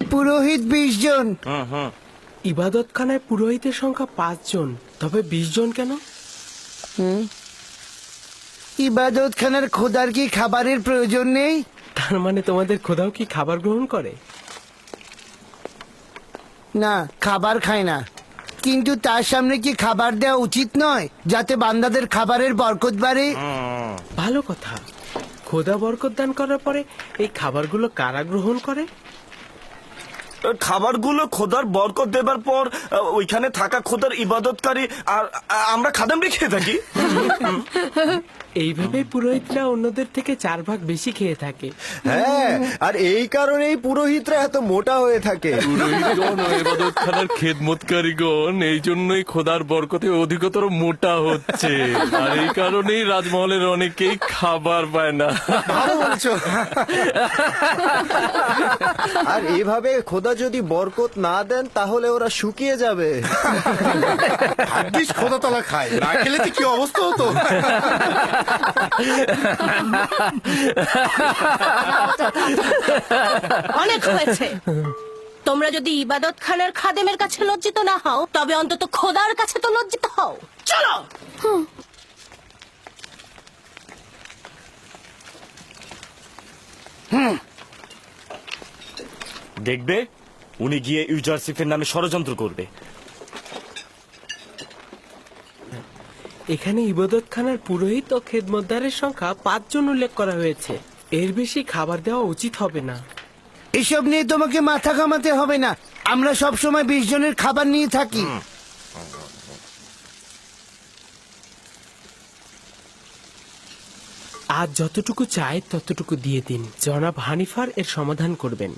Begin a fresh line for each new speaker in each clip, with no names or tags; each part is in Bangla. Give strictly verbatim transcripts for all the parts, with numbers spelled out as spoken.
পুরোহিত বিশ জন।
ইবাদতখানায় পুরোহিতের সংখ্যা পাঁচ জন, তবে বিশ জন কেন?
ইবাদতখানার খোদার কি খাবারের প্রয়োজন নেই?
তার মানে তোমাদের খোদাও কি খাবার গ্রহণ করে?
না, খাবার খায় না, কিন্তু তার সামনে কি খাবার দেওয়া উচিত নয়, যাতে বান্দাদের খাবারের বরকত বাড়ে?
ভালো কথা। খোদা বরকত দান করার পরে এই খাবারগুলো কারা গ্রহণ করে?
খাবারগুলো খোদার বরকত দেবার পর ওইখানে থাকা খোদার ইবাদতকারী আর আমরা খাদেমরা খেয়ে থাকি।
এইভাবে পুরোহিতরা অন্যদের থেকে চার ভাগ বেশি খেয়ে থাকে।
হ্যাঁ, আর এই কারণেই পুরোহিতরা এত মোটা হয়ে থাকে।
পুরোহিতগণ ও ইবাদতখানার খেদমতকারীগণ এই জন্যই খোদার বরকতে অধিকতর মোটা হচ্ছে, আর এই কারণেই রাজমহলের অনেকেই খাবার পায় না।
ভালো বলছো। আর এইভাবে খোদা যদি বরকত না দেন তাহলে ওরা শুকিয়ে যাবে।
ভাগ্যিস খোদা তলা খায়, না খেলে কি অবস্থা হতো।
অনেক হয়েছে। তোমরা যদি ইবাদত খানার খাদেমের কাছে লজ্জিত না হও, তবে অন্তত খোদার কাছে তো লজ্জিত হও। চলো।
দেখবে উনি গিয়ে ইউজারসিফের নামে ষড়যন্ত্র করবে।
এখানে ইবাদতখানার পুরোহিত ও খেদমতদারের সংখ্যা পাঁচ জন উল্লেখ করা হয়েছে। এর বেশি খাবার দেওয়া উচিত হবে না।
এসব নিয়ে তোমাকে মাথা ঘামাতে হবে না, আমরা সব সময় বিশ জনের খাবার নিয়ে থাকি।
আজ যতটুকু চাই ততটুকু দিয়ে দিন। জনাব হানিফার এর সমাধান করবেন।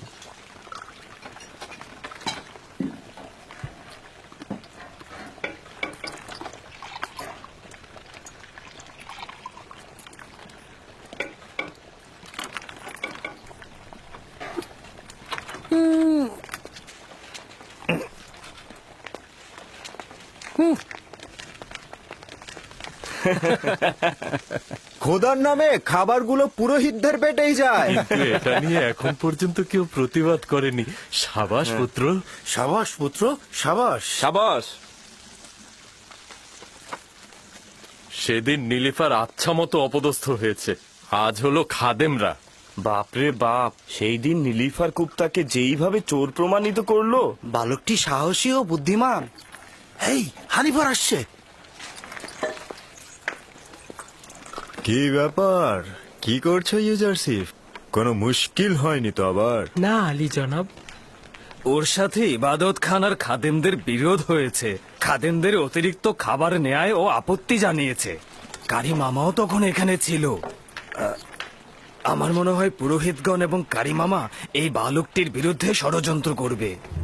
খোদার নামে খাবারগুলো পুরোহিতদের পেটেই যায়।
কিন্তু এটা নিয়ে এখন পর্যন্ত কেউ প্রতিবাদ করেনি। সাবাস পুত্র,
সাবাস পুত্র, সাবাস।
সাবাস।
সেদিন নীলিফার আচ্ছা মতো অপদস্থ হয়েছে, আজ হলো খাদেমরা।
বাপরে বাপ, সেই দিন নীলিফার কুপ্তাকে যেইভাবে চোর প্রমাণিত করলো।
বালকটি সাহসী ও বুদ্ধিমান। এই হানিফার আসছে।
কি ব্যাপার, কি করছো ইউজারসিফ? কোনো মুশকিল হয়নি তো আবার?
না আলী জনাব,
ওর সাথে ইবাদত খানার খাদেমদের বিরোধ হয়েছে। খাদেমদের অতিরিক্ত খাবার নেয় ও আপত্তি জানিয়েছে। কারি মামাও তখন এখানে ছিল। আহ, আমার মনে হয় পুরোহিতগণ এবং কারি মামা এই বালকটির বিরুদ্ধে ষড়যন্ত্র করবে।